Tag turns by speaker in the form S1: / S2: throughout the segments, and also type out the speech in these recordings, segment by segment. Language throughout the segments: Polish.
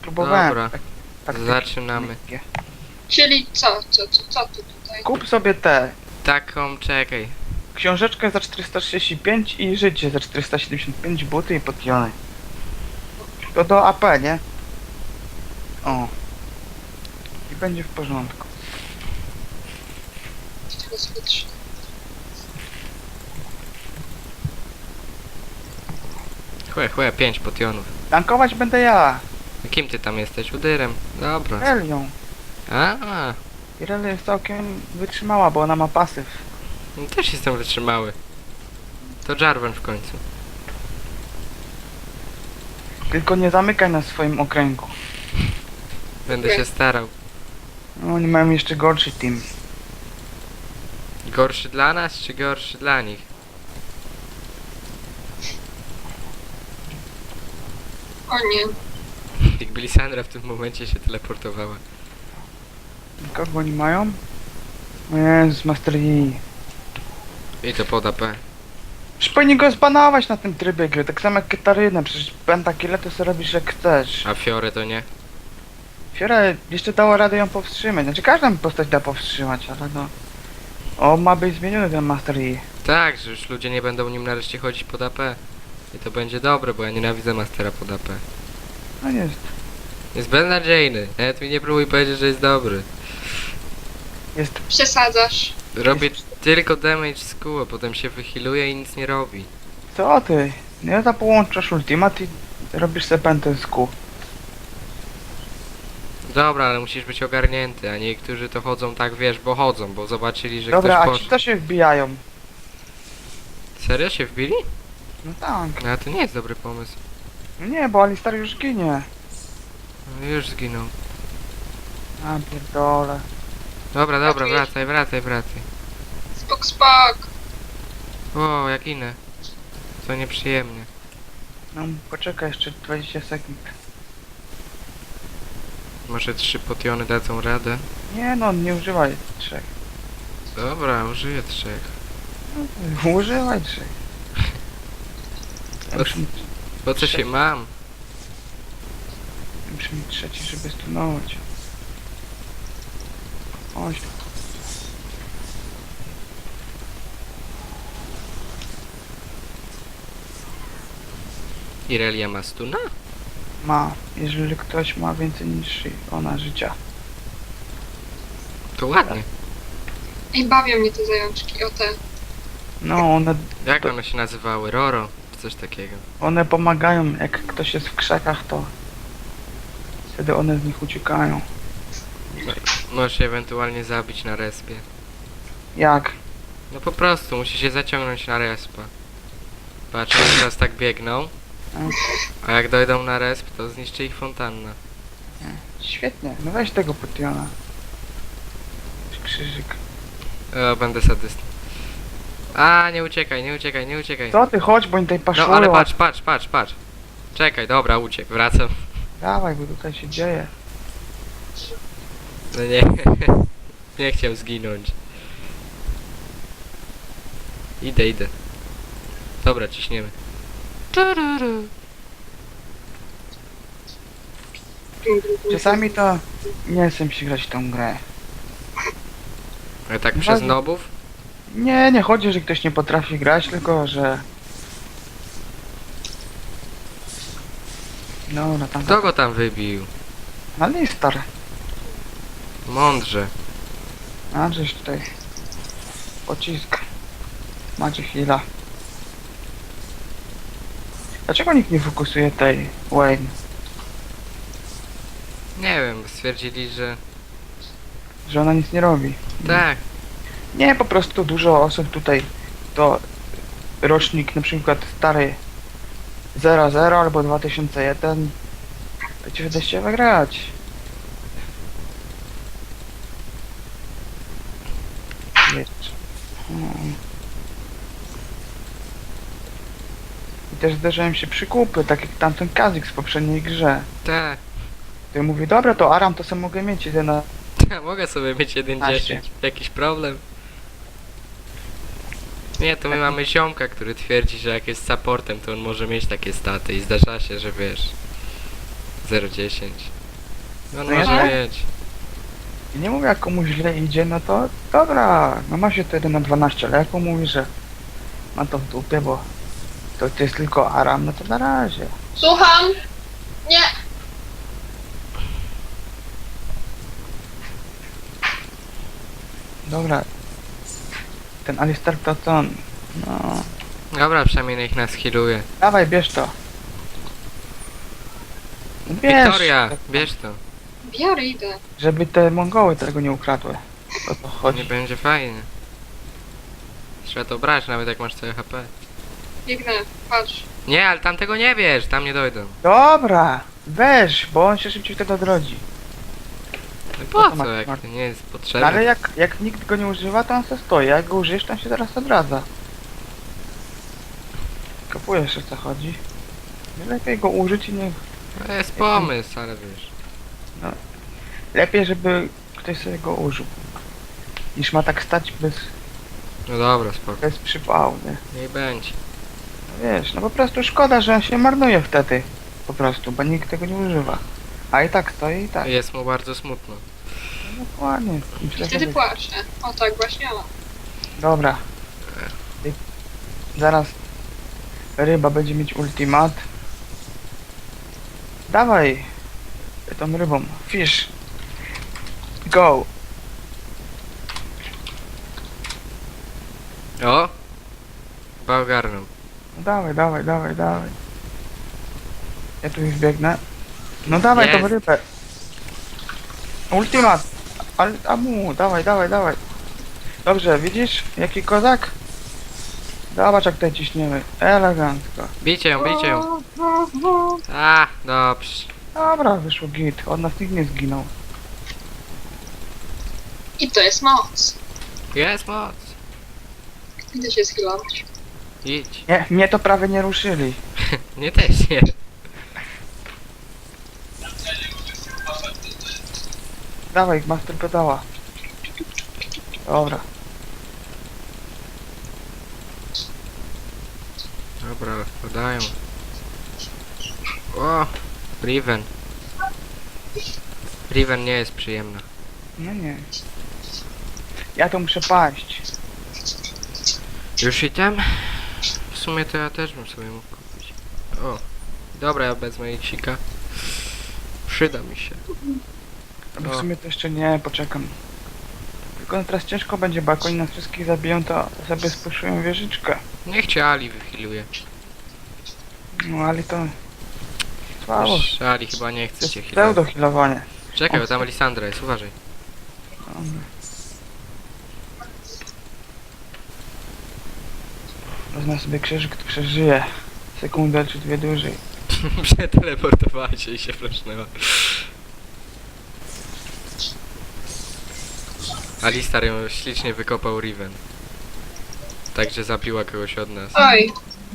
S1: Próbowałem.
S2: Dobra,
S1: tak
S2: zaczynamy.
S1: lekkie.
S3: Czyli co tu tutaj?
S1: Kup sobie te.
S2: Taką, czekaj.
S1: Książeczkę za 435 i życie za 475, buty i potiony. To do AP, nie? O. I będzie w porządku.
S3: Tego sobie trzy.
S2: Chłe, 5 potionów.
S1: Tankować będę ja.
S2: Kim ty tam jesteś? Udyrem. Dobra.
S1: Relią.
S2: A,
S1: Irelia jest całkiem wytrzymała, bo ona ma pasyw.
S2: no też jestem wytrzymały. To Jarvan w końcu.
S1: Tylko nie zamykaj na swoim okręgu.
S2: Będę
S3: Okej.
S2: się starał.
S1: No, oni mają jeszcze gorszy team.
S2: Gorszy dla nas, czy gorszy dla nich?
S3: O nie.
S2: Jakby Lisandra w tym momencie się teleportowała.
S1: Kogo oni mają? O Jezus, Master Yi.
S2: I to pod AP.
S1: Przecież powinni go zbanować na tym trybie gry, tak samo jak Katarynę, przecież pentakile to sobie robisz jak chcesz.
S2: A Fiore to nie?
S1: Fiora jeszcze dała radę ją powstrzymać, znaczy każdą postać da powstrzymać, ale no... O, ma być zmieniony ten Master Yi.
S2: Tak, że już ludzie nie będą nim nareszcie chodzić pod AP. I to będzie dobre, bo ja nienawidzę Mastera pod AP.
S1: No jest.
S2: Jest beznadziejny. Nawet mi nie próbuj powiedzieć, że jest dobry.
S1: Jest...
S3: Przesadzasz.
S2: Robi tylko damage z kół, a potem się wychiluje i nic nie robi.
S1: Co ty? Nie za połączasz ultimat i robisz sobie pętę z kół.
S2: Dobra, ale musisz być ogarnięty, a niektórzy to chodzą tak, wiesz, bo chodzą, bo zobaczyli, że
S1: Dobra,
S2: ktoś
S1: a ci
S2: poszedł.
S1: to się wbijają.
S2: Serio się wbili?
S1: No tak.
S2: No a to nie jest dobry pomysł.
S1: No nie, bo Alistar już ginie.
S2: No, już zginął.
S1: A pierdole.
S2: Dobra, dobra,
S3: Ratujesz?
S2: wracaj.
S3: Spok.
S2: O, jak inne. To nieprzyjemnie.
S1: No poczekaj jeszcze 20 sekund.
S2: Może 3 potiony dadzą radę?
S1: Nie no, nie używaj 3.
S2: Dobra, użyję 3.
S1: Używaj 3. Ja muszę mieć,
S2: Po co się mam?
S1: muszę mieć trzeci, żeby stunować. Chodź.
S2: Irelia ma stuna?
S1: Ma, jeżeli ktoś ma więcej niż ona życia.
S2: To ładnie.
S3: I bawią mnie te zajączki, o te.
S1: No,
S2: Jak one się nazywały? Roro? Czy coś takiego?
S1: one pomagają, jak ktoś jest w krzakach, to wtedy one z nich uciekają.
S2: Możesz je ewentualnie zabić na respie.
S1: Jak?
S2: No po prostu, musi się zaciągnąć na respa. Patrz, oni teraz tak biegną. A jak dojdą na resp, to zniszczy ich fontanna.
S1: Świetnie, no weź tego potiona. Krzyżyk.
S2: O, będę sadystą. A, nie uciekaj.
S1: Co ty, chodź, bo oni tutaj
S2: No
S1: paszują.
S2: ale patrz. Czekaj, dobra, uciekł, wracam.
S1: Dawaj, bo tutaj się dzieje.
S2: No nie. Nie chciał zginąć. Idę. Dobra, ciśniemy.
S1: Czasami to nie chcę się grać w tą grę.
S2: Ale tak
S1: No
S2: przez
S1: tak.
S2: nobów?
S1: Nie chodzi, że ktoś nie potrafi grać, tylko że... Dobra, tam...
S2: Kto go tam wybił?
S1: Alistar.
S2: Mądrze.
S1: A, żeś tutaj... Pocisk. Macie chwila. Dlaczego nikt nie fokusuje tej Wayne?
S2: Nie wiem, stwierdzili, że...
S1: Że ona nic nie robi.
S2: Tak.
S1: Nie, po prostu dużo osób tutaj to rocznik na przykład stary 00 albo 2001 to ci wyda się wygrać. Wiesz. I też zdarzają się przykupy, tak jak tamten Kazik z poprzedniej grze.
S2: Tak.
S1: To ja mówię, dobra, to Aram to sam mogę mieć jeden na...
S2: Mogę sobie mieć 1.10. Jakiś problem? Nie, to my mamy ziomka, który twierdzi, że jak jest supportem, to on może mieć takie staty i zdarza się, że wiesz... 0,10. No,
S1: No
S2: może
S1: ja-
S2: mieć.
S1: I nie mówię, jak komuś źle idzie, no to dobra, no ma się to 1 na 12, ale jak on mówi, że ma to w dupie, bo to jest tylko Aram, no to na razie.
S3: Słucham! Nie!
S1: Dobra. Ten Alistar to co on? No.
S2: Dobra, przynajmniej niech nas healuje.
S1: Dawaj, bierz to. No bierz,
S2: Wiktoria, bierz to.
S3: Biorę, idę.
S1: żeby te Mongoły tego nie ukradły. O to
S2: Nie
S1: chodzi.
S2: będzie fajnie. Trzeba to brać, nawet jak masz całe HP.
S3: Biegnę, patrz.
S2: Nie, ale tamtego nie bierz, tam nie dojdą.
S1: Dobra, weź, bo on się szybciej wtedy odrodzi.
S2: No
S1: to
S2: po
S1: ma-
S2: co, jak
S1: ma-
S2: to nie jest
S1: No,
S2: potrzebne?
S1: ale jak nikt go nie używa, to on se stoi. Jak go użyjesz, to on się zaraz odradza. Kapujesz, o co chodzi. Lepiej go użyć i nie...
S2: To jest pomysł, ale wiesz.
S1: Lepiej, żeby ktoś sobie go użył. Niż ma tak stać
S2: No dobra, spoko.
S1: bez przypału, nie?
S2: Niech będzie.
S1: No wiesz, no po prostu szkoda, że on się marnuje wtedy. Po prostu, bo nikt tego nie używa. A i tak stoi i tak.
S2: Jest mu bardzo smutno.
S1: No, dokładnie. I
S3: I
S1: źle
S3: wtedy
S1: sobie-
S3: płaczę. O tak właśnie mam.
S1: Dobra. Zaraz ryba będzie mieć ultimat. Dawaj tą rybą. Fish. Go.
S2: O! Chyba ogarnął.
S1: No dawaj, dawaj, dawaj, dawaj. Ja tu już biegnę. No dawaj tą
S2: Jest.
S1: rybę. Ultimat. Ale amu, dawaj, dawaj, dawaj. Dobrze, widzisz? Jaki kozak? Zobacz jak tutaj ciśniemy. Elegancko.
S2: Bijcie ją, bijcie ją. A, dobrze.
S1: Dobra, wyszło git. Od nas nikt nie zginął.
S3: I to jest moc.
S2: Jest moc.
S3: Idę się schylować.
S2: Idź.
S1: Nie, mnie to prawie nie ruszyli.
S2: Nie też nie.
S1: Dawaj, master pedała. Dobra.
S2: Dobra, podają. O! Riven. Riven nie jest przyjemna.
S1: No nie. Ja tu muszę paść.
S2: Już item? W sumie to ja też bym sobie mógł kupić. O! Dobra, ja wezmę iksika. Przyda mi się.
S1: Bo
S2: O.
S1: w sumie to jeszcze nie, poczekam. Tylko teraz ciężko będzie, bo jak oni nas wszystkich zabiją, to sobie spuszują wieżyczkę.
S2: Niech cię Ali wychiluje.
S1: No ale to... Słabo.
S2: Wiesz, Ali chyba nie
S1: To
S2: chce
S1: jest
S2: cię healować.
S1: pseudo-healowanie.
S2: Czekaj, bo tam Lisandra jest, uważaj.
S1: Wezmę sobie krzyżyk, to przeżyje. Sekundę czy dwie dłużej.
S2: Przeteleportowała się i się flashnęła. Alistar ją ślicznie wykopał Riven. Także zabiła kogoś od nas.
S3: Oj,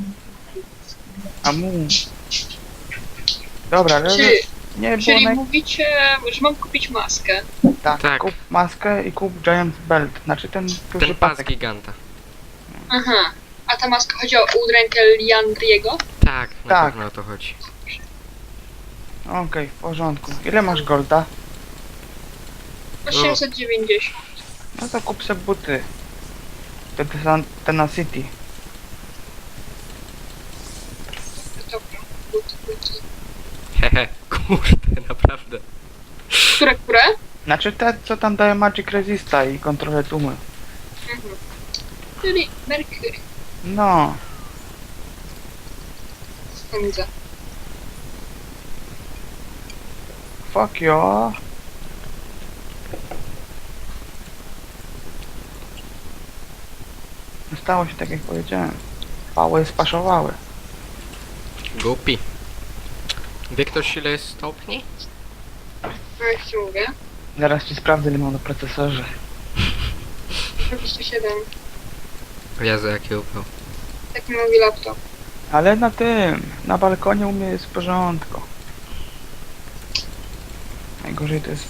S1: A mu. Dobra, ale
S3: czy,
S1: nie było
S3: czyli
S1: naj...
S3: mówicie, że mam kupić maskę?
S1: Tak,
S2: Tak.
S1: kup maskę i kup Giant Belt. Znaczy ten duży
S2: Ten pas
S1: pasek.
S2: giganta.
S3: Aha. A ta maska chodzi o udrękę Liandriego?
S2: Tak, na
S1: Tak.
S2: pewno o to chodzi.
S1: Okej, w porządku. Ile masz golda?
S3: 890.
S1: No to kup sobie buty. Te na City.
S3: Dobra, buty.
S2: Hehe, kurde, naprawdę.
S3: Które?
S1: Znaczy te, co tam daje Magic Resista i kontrolę tłumy.
S3: Mhm. Czyli Mercury.
S1: No,
S3: Widzę.
S1: fuck you. Stało się tak jak powiedziałem. Pały spaszowały.
S2: Głupi. Wie ktoś ile jest stopni?
S3: No jak ci mówię.
S1: Zaraz ci sprawdzę ile mam na procesorze.
S3: 27.
S2: Jezu, jaki upał.
S3: Taki mówi laptop.
S1: Ale na tym, na balkonie u mnie jest w porządku. Najgorzej to jest...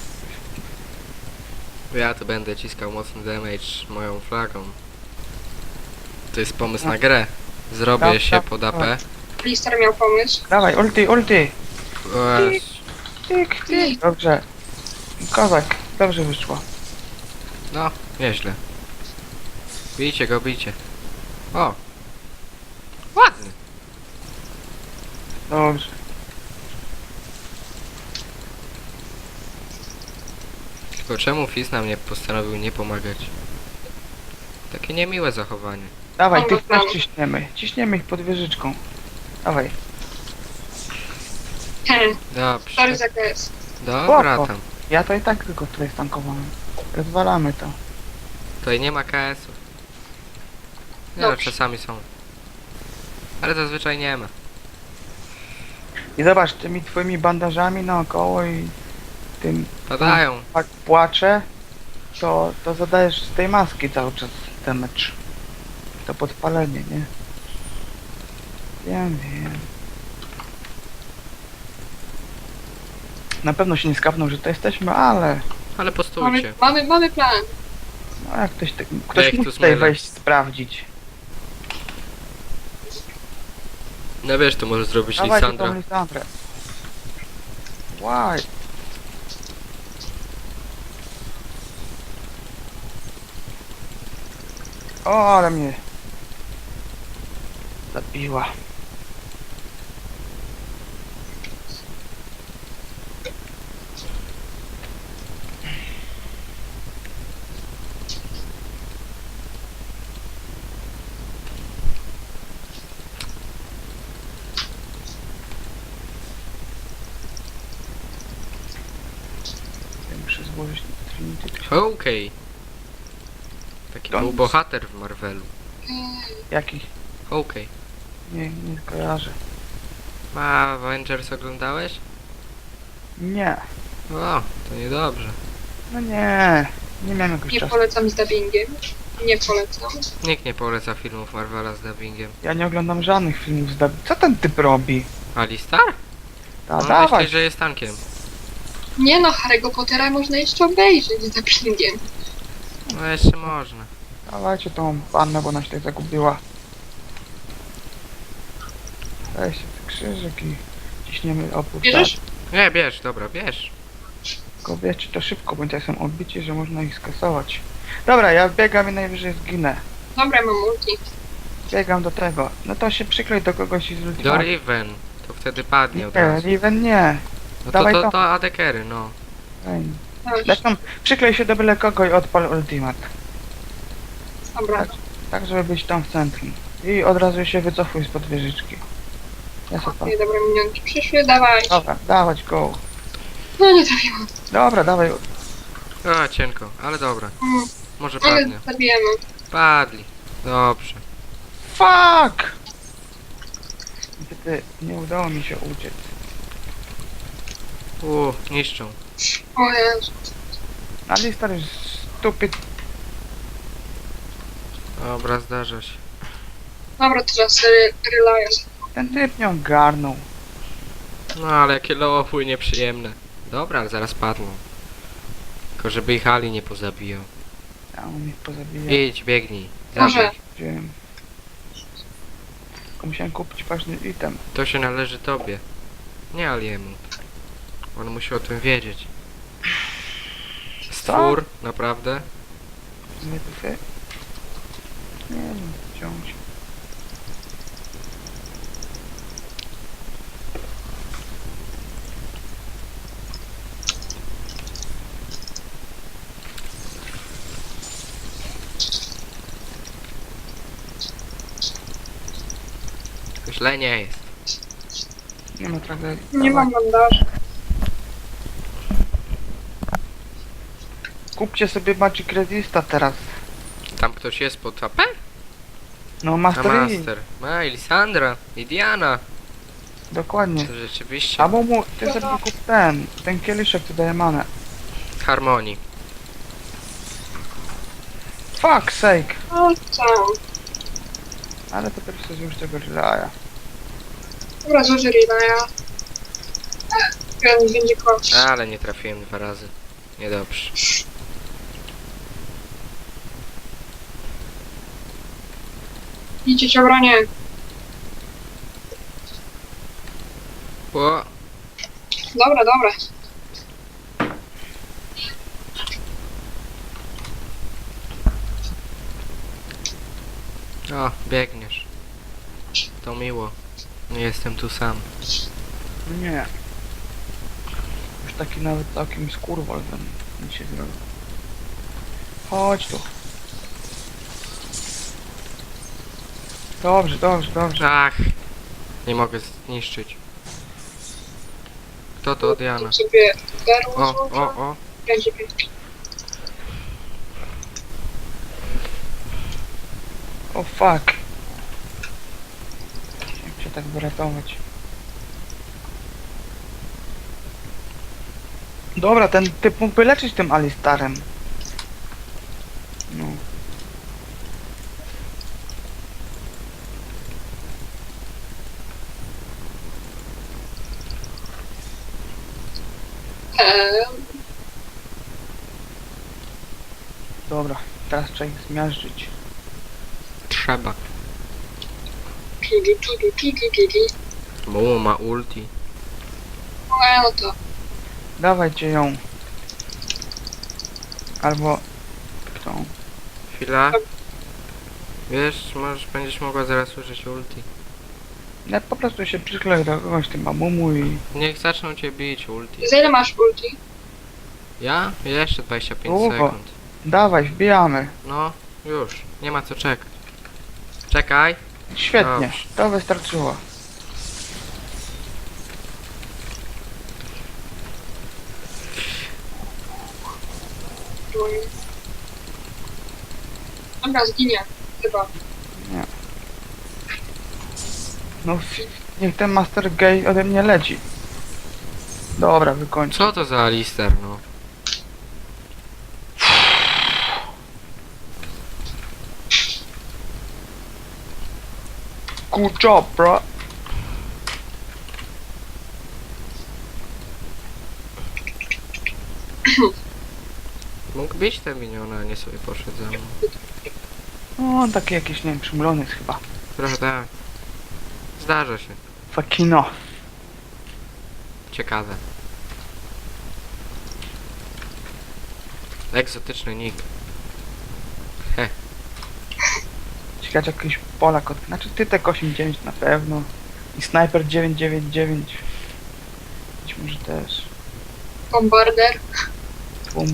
S2: Ja to będę ciskał mocny damage moją flagą. To jest pomysł na grę. Zrobię
S1: Tak,
S2: się
S1: tak,
S2: pod AP.
S1: tak.
S3: Listar miał pomysł.
S1: Dawaj, ulti, ulti!
S2: O Jezu.
S1: Tyk, tyk. Dobrze. Kozak, dobrze wyszło.
S2: No, nieźle. Bijcie go, bijcie. O! Ładny.
S1: Dobrze.
S2: Tylko czemu Fizz nam nie postanowił nie pomagać? Takie niemiłe zachowanie.
S1: Dawaj,
S3: Dobra,
S1: tych też
S3: dobra.
S1: ciśniemy. Ciśniemy ich pod wieżyczką. Dawaj.
S2: Dobrze.
S3: Sorry za KS.
S2: Dobra
S1: Spoko.
S2: tam.
S1: Ja to i tak tylko tutaj stankowałem. Rozwalamy to.
S2: Tutaj nie ma KS-ów. Nie no,
S3: Dobrze.
S2: czasami są. Ale zazwyczaj nie ma.
S1: I zobacz, tymi twoimi bandażami naokoło i tym
S2: Padają.
S1: tak płacze, to zadajesz z tej maski cały czas damage. To podpalenie, nie? Wiem, wiem. Na pewno się nie skapną, że to jesteśmy, ale
S2: Ale postójcie.
S3: Mamy plan.
S1: no jak ktoś
S2: ich tu
S1: musi tutaj
S2: smylę.
S1: wejść sprawdzić.
S2: No wiesz, to może zrobić
S1: Dawajcie
S2: Lisandra.
S1: tą Lisandrę. Why? O, ale mnie zabiła. Ja muszę złożyć Trinity.
S2: Okej. Taki
S1: Don't-
S2: był bohater w Marvelu.
S1: Jaki?
S2: Okej.
S1: Nie kojarzę.
S2: A Avengers oglądałeś?
S1: Nie.
S2: O, to niedobrze.
S1: No nie. Nie miałem jakoś
S3: Nie
S1: czasu.
S3: polecam z dubbingiem. Nie polecam.
S2: Nikt nie poleca filmów Marvela z dubbingiem.
S1: Ja nie oglądam żadnych filmów z Co ten typ robi?
S2: Alistar?
S1: Ta,
S2: On
S1: dawaj.
S2: myśli, że jest tankiem.
S3: Nie no, Harry'ego Pottera można jeszcze obejrzeć z dubbingiem.
S2: No jeszcze można.
S1: Dawajcie tą pannę, bo ona się tak zagubiła. Weźcie ten krzyżyk i ciśniemy opór.
S3: Bierzesz?
S2: Nie, bierz, dobra, bierz.
S1: Tylko wiecie, to szybko, bo ja są odbici, że można ich skasować. Dobra, ja biegam i najwyżej zginę.
S3: Dobra, mam multi.
S1: Biegam do tego. No to się przyklej do kogoś i zwróć
S2: Do Riven. To wtedy padnie od
S1: Nie,
S2: razu.
S1: Riven nie.
S2: No
S1: dawaj
S2: to,
S1: to.
S2: to adekery, no.
S1: Ej.
S3: Dobrze.
S1: Zresztą przyklej się do byle kogo i odpal ultimat.
S3: Dobra.
S1: Tak, żeby być tam w centrum. I od razu się wycofuj spod wieżyczki. Ja sobie
S3: Okej, dobra, minionki przyszły, dawaj.
S1: Dobra, dawać go.
S3: No nie trafiłam.
S1: Dobra, dawaj.
S2: A, cienko, ale dobra.
S3: Mm,
S2: Może
S3: ale
S2: padnie.
S3: zabijemy.
S2: Padli. Dobrze.
S1: Fuck! Niestety nie udało mi się uciec.
S2: Niszczą.
S3: O Jezu.
S1: Alistar jest stupid.
S2: Dobra, zdarza się.
S3: Dobra, teraz Reliance.
S1: Ten typ nie ogarnął.
S2: No ale jakie lowy nieprzyjemne. Dobra, ale zaraz padną. Tylko żeby ich Ali nie pozabijał.
S1: A on ich pozabija.
S2: Idź, biegnij.
S3: Może.
S2: Zabij.
S1: Wziąłem. Tylko musiałem kupić ważny item.
S2: To się należy tobie. Nie Aliemu. On musi o tym wiedzieć. Stwór, naprawdę?
S1: Nie to się... Nie wiem, wziąć.
S2: Źle nie jest.
S1: Nie ma tragedii.
S3: Nie mam bandaży.
S1: Kupcie sobie Magic Resista teraz.
S2: Tam ktoś jest pod AP?
S1: No
S2: A
S1: Master Yi.
S2: Master. Ma i Lisandra, i Diana.
S1: Dokładnie.
S2: To rzeczywiście.
S1: Albo mu, ty sobie kup ten kieliszek, co daje manę.
S2: Harmonii.
S1: Fuck sake.
S3: No tam.
S1: Ale to pierwsze złóż tego relaya.
S3: Dobra, zużyj Reliance. Jeden będzie kość.
S2: Ale nie trafiłem 2 razy. Niedobrze.
S3: Idzie cię obronię.
S2: O,
S3: Dobra, dobra.
S2: O, biegniesz. To miło. Nie jestem tu sam.
S1: Nie. Już taki nawet całkiem skurwol mi się zrobił. Chodź tu. Dobrze, dobrze, dobrze.
S2: Ach. Nie mogę zniszczyć. Kto to? Diana.
S3: Tu sobie berło
S2: O,
S3: złożę.
S2: o.
S3: Będzie pięknie.
S1: O fuck. Jak się tak wyratować? Dobra, ten typ mógłby leczyć tym Alistarem. No. Dobra, teraz trzeba ich zmiażdżyć.
S2: Trzeba.
S3: Tu.
S2: Bo ma ulti.
S3: No to.
S1: Dawajcie ją. Albo... tą.
S2: Chwila. Wiesz, będziesz mogła zaraz użyć ulti.
S1: Ja po prostu się przykleję do kogoś tym mamumu i...
S2: Niech zaczną cię bić ulti.
S3: Za ile masz ulti?
S2: Ja? Jeszcze 25
S1: Długo.
S2: sekund.
S1: Dawaj, wbijamy.
S2: No, już. Nie ma co czekać. Czekaj.
S1: Świetnie,
S2: Dobrze.
S1: to wystarczyło.
S3: Dobra, zginie. Chyba.
S1: No, niech ten Master Gay ode mnie leci. Dobra, wykończę.
S2: Co to za Alistar, no?
S1: Good job, bro.
S2: Mógł bić te miniony, a nie sobie poszedł za mną.
S1: No, on taki jakiś, nie wiem, przymulony jest chyba.
S2: Trochę tak. Zdarza się.
S1: Fakino.
S2: Ciekawe. Egzotyczny nick.
S1: Ciekawe, czy jakiś Polak od... Znaczy, Tytek 89 na pewno. I Sniper 999. Być może też.
S3: Bombarder.
S1: Tłum.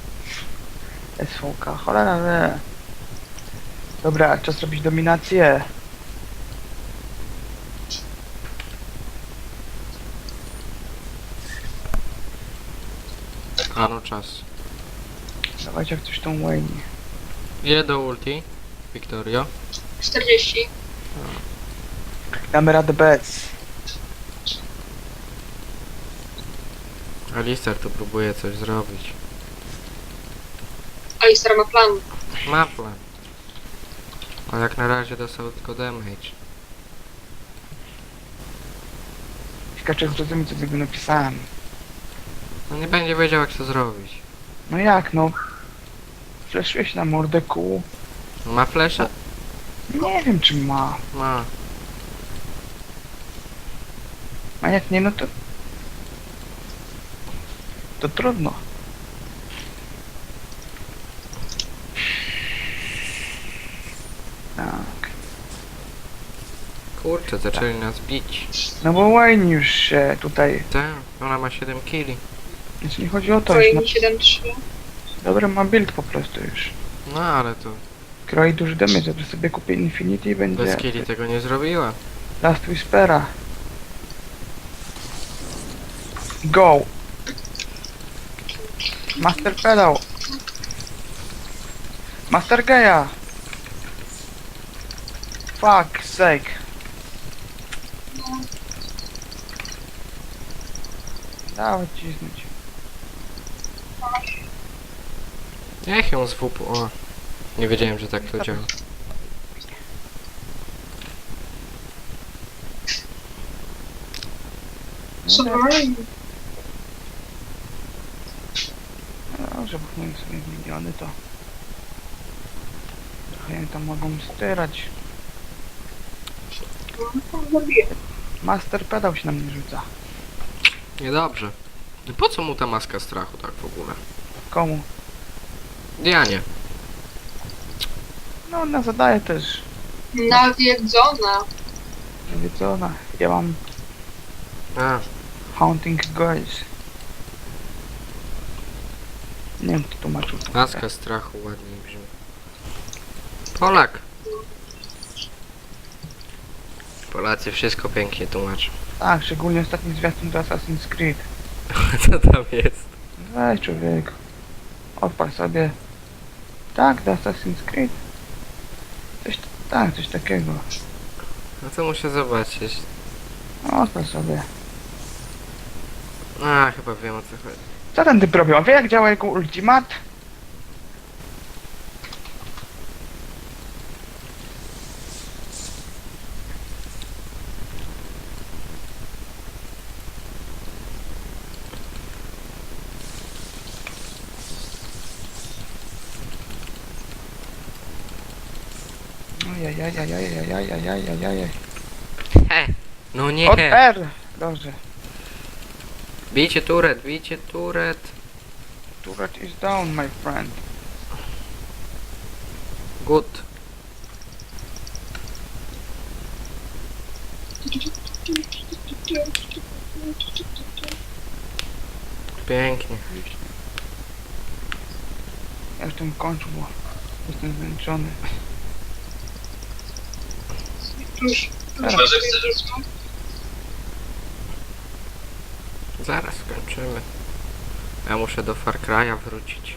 S1: SVK, cholera wie. Dobra, czas robić dominację.
S2: A no czas.
S1: Dawajcie jak coś tą Wayne.
S2: Ile do ulti? Victorio?
S3: 40.
S1: Damy radę bez.
S2: Alistar tu próbuje coś zrobić.
S3: Alistar ma plan.
S2: Ma plan. A jak na razie dostał tylko damage.
S1: Ciekawe, czy zrozumie, co tego napisałem.
S2: No nie będzie wiedział jak to zrobić.
S1: No jak, no? Fleszuje się na mordę kół.
S2: Ma flesza?
S1: Nie wiem, czy ma.
S2: Ma.
S1: A jak nie, no to... To trudno. Tak.
S2: Kurczę, zaczęli nas bić.
S1: No bo Wayne już się tutaj...
S2: Tak, ona ma 7 killi.
S1: Znaczy nie chodzi o to, już ma...
S3: Twoje 7-3.
S1: Dobry ma build po prostu już.
S2: No ale to
S1: Kroi duży damage, to sobie kupię Infinity i będzie...
S2: bez killi tego nie zrobiła.
S1: Last Whispera. Go! Master Pedal! Master Gaia! Fuck sake! Dawaj cisnąć.
S2: Niech ją z WP. O. Nie wiedziałem, że tak to działa.
S3: Submarine.
S1: Dobrze, bo moje sobie miliony to... Trochę ją tam mogą styrać.
S3: Zabiję.
S1: Master Pedal się na mnie rzuca.
S2: Niedobrze. I po co mu ta maska strachu tak w ogóle?
S1: Komu?
S2: Dianie.
S1: No ona zadaje też
S3: Nawiedzona.
S1: Nawiedzona. Ja mam
S2: A,
S1: Haunting Girls. Nie wiem, kto tłumaczył to.
S2: maska strachu ładniej brzmi. Polak. Polacy wszystko pięknie tłumaczą.
S1: Tak, szczególnie ostatni zwiastun do Assassin's Creed.
S2: Co tam jest?
S1: Weź człowiek. Odpal sobie. Tak, do Assassin's Creed. Coś takiego.
S2: No to muszę zobaczyć.
S1: No, odpal sobie.
S2: A, chyba wiem o co chodzi.
S1: Co ten typ robił? A wie jak działa jego ultimat? Ojajajajajajajajajajajaj.
S2: He! No
S1: Od
S2: nie!
S1: R! Dobrze.
S2: Bijcie turet, bijcie turet.
S1: Turret is down, my friend.
S2: Good. Pięknie.
S1: Ja już tym kończę, bo jestem zmęczony.
S3: Już.
S2: Zaraz skończymy. Ja muszę do Far Cry'a wrócić.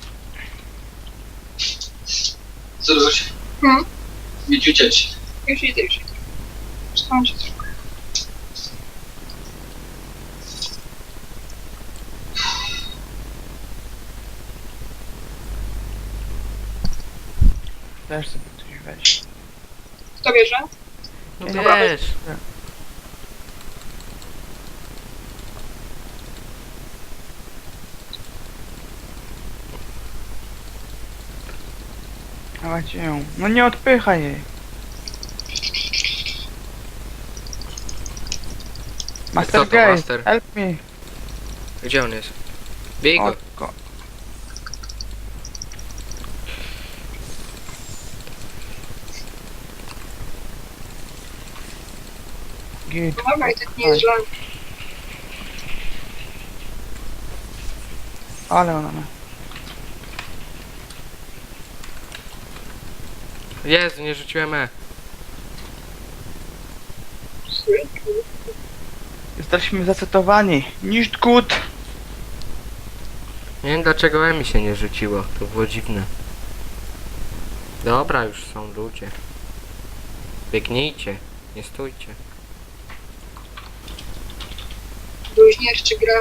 S4: Co robisz?
S3: Hmm?
S4: Idź uciec.
S3: Już idę, już idę. Skończę trochę.
S1: Też sobie coś weź.
S3: Kto bierze?
S2: No
S1: Dobra,
S2: wiesz.
S1: Dawajcie ją. No nie odpychaj jej. Master
S2: to
S1: Gay,
S2: Master?
S1: help me.
S2: Gdzie on jest? Bij go.
S1: Go. Git.
S3: No dobra, i tak nie jest źle.
S1: Ale ona ma.
S2: Jezu, nie rzuciłem E.
S1: Jesteśmy zacytowani. Nicht gut.
S2: Nie wiem dlaczego E mi się nie rzuciło. To było dziwne. Dobra, już są ludzie. Biegnijcie. Nie stójcie.
S3: Bluźnierczy gra.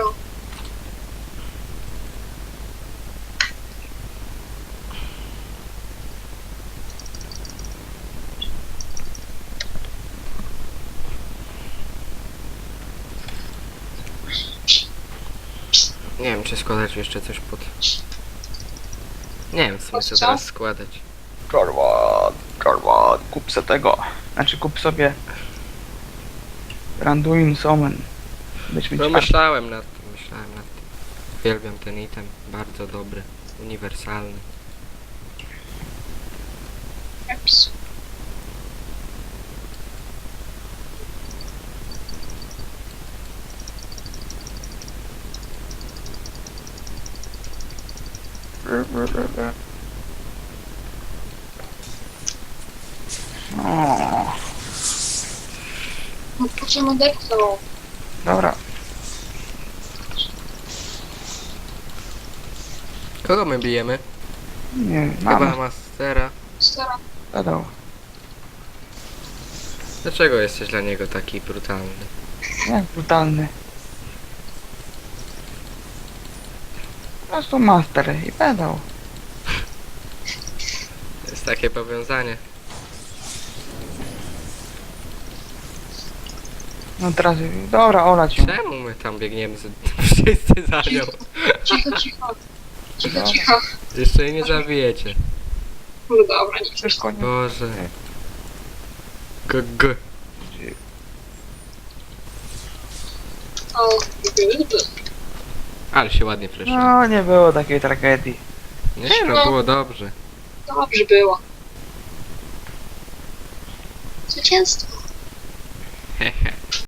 S2: Nie wiem czy składać jeszcze coś pod... Nie wiem w sumie
S3: Pod
S2: co
S3: co?
S2: teraz składać.
S1: Karwan. Kup se tego. Znaczy kup sobie Randuin Somen. Byśmy
S2: No
S1: ci-
S2: myślałem nad tym. Uwielbiam ten item. Bardzo dobry. Uniwersalny.
S3: Eps.
S1: O,
S3: No po co nadepnął?
S1: dobra.
S2: Kogo my bijemy?
S1: Nie wiem,
S2: Chyba
S1: mama
S2: Mastera.
S3: Stara.
S1: zadał.
S2: Dlaczego jesteś dla niego taki brutalny?
S1: Jak brutalny. Po prostu master i pedał.
S2: To jest takie powiązanie.
S1: No teraz, dobra, olać ją.
S2: Czemu my tam biegniemy wszyscy za nią?
S3: Cicho, cicho. Cicho,
S1: Dobra.
S3: cicho.
S2: Jeszcze jej nie zabijecie.
S3: No dobra, nie.
S1: Wszystko nie...
S2: Boże. GG.
S3: O, good.
S2: Ale się ładnie fleszyło.
S1: No, nie było takiej tragedii.
S2: Nie, no było dobrze.
S3: Dobrze było. Zwycięstwo.
S2: Hehe.